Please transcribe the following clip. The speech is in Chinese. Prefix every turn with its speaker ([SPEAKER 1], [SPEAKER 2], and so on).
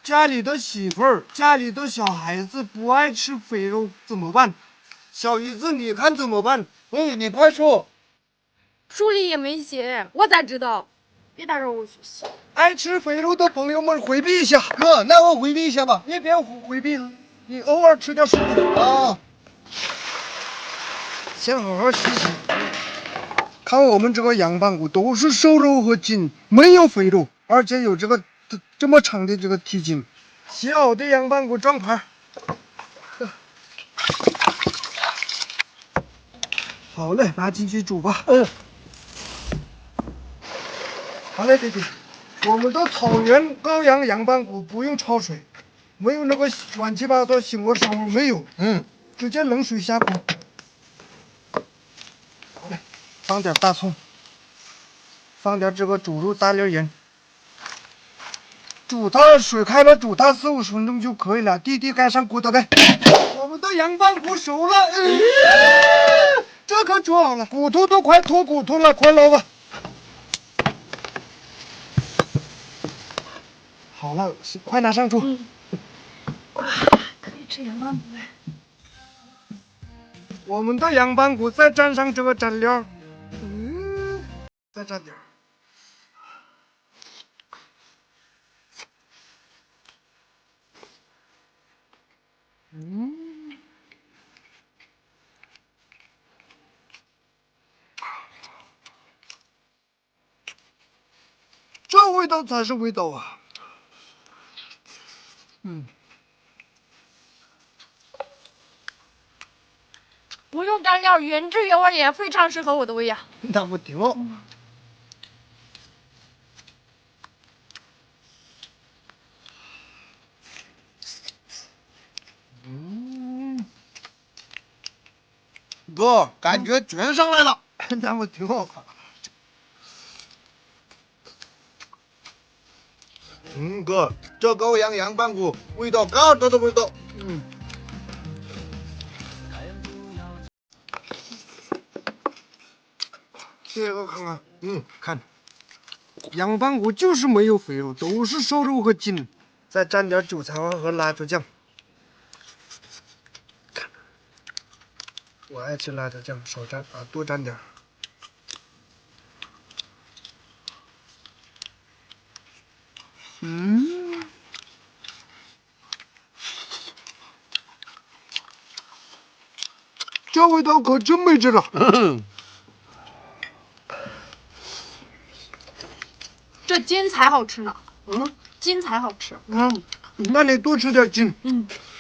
[SPEAKER 1] 家里的媳妇儿、家里的小孩子不爱吃肥肉怎么办？小姨子，你看怎么办？你快说。
[SPEAKER 2] 书里也没写，我咋知道？别打扰我学习。
[SPEAKER 1] 爱吃肥肉的朋友们回避一下。哥，那我回避一下吧。你别回避了，你偶尔吃点瘦肉啊。先好好洗洗。看我们这个羊棒骨都是瘦肉和筋，没有肥肉，而且有这么长的这个蹄筋。洗好的羊棒骨装盘。好嘞，拿进去煮吧。好嘞，弟弟。我们的草原羔羊羊棒骨不用焯水，没有那个乱七八糟腥味膻味没有。直接冷水下锅。好嘞，放点大葱，放点这个煮肉大粒盐。煮它，水开了，煮它4、50分钟就可以了。弟弟盖上骨头盖。我们的羊棒骨熟了。这可煮好了，骨头都快脱骨头了，快捞吧。好了，快拿上桌。
[SPEAKER 2] 哇，可以吃羊棒骨了。
[SPEAKER 1] 我们的羊棒骨再蘸上这个蘸料，再蘸点。这味道才是味道啊！
[SPEAKER 2] 不用蘸料，原汁原味也非常适合我的胃呀。
[SPEAKER 1] 那不挺好？哥，感觉全上来了，那不挺好？哥，这羔羊羊棒骨味道嘎达的味道。这个看看，看，羊棒骨就是没有肥肉，都是瘦肉和筋，再蘸点韭菜花和辣椒酱。我爱吃辣椒酱，少蘸啊，多蘸点。这味道可真没劲了。
[SPEAKER 2] 这筋才好吃呢。筋才好吃。
[SPEAKER 1] 那你多吃点筋。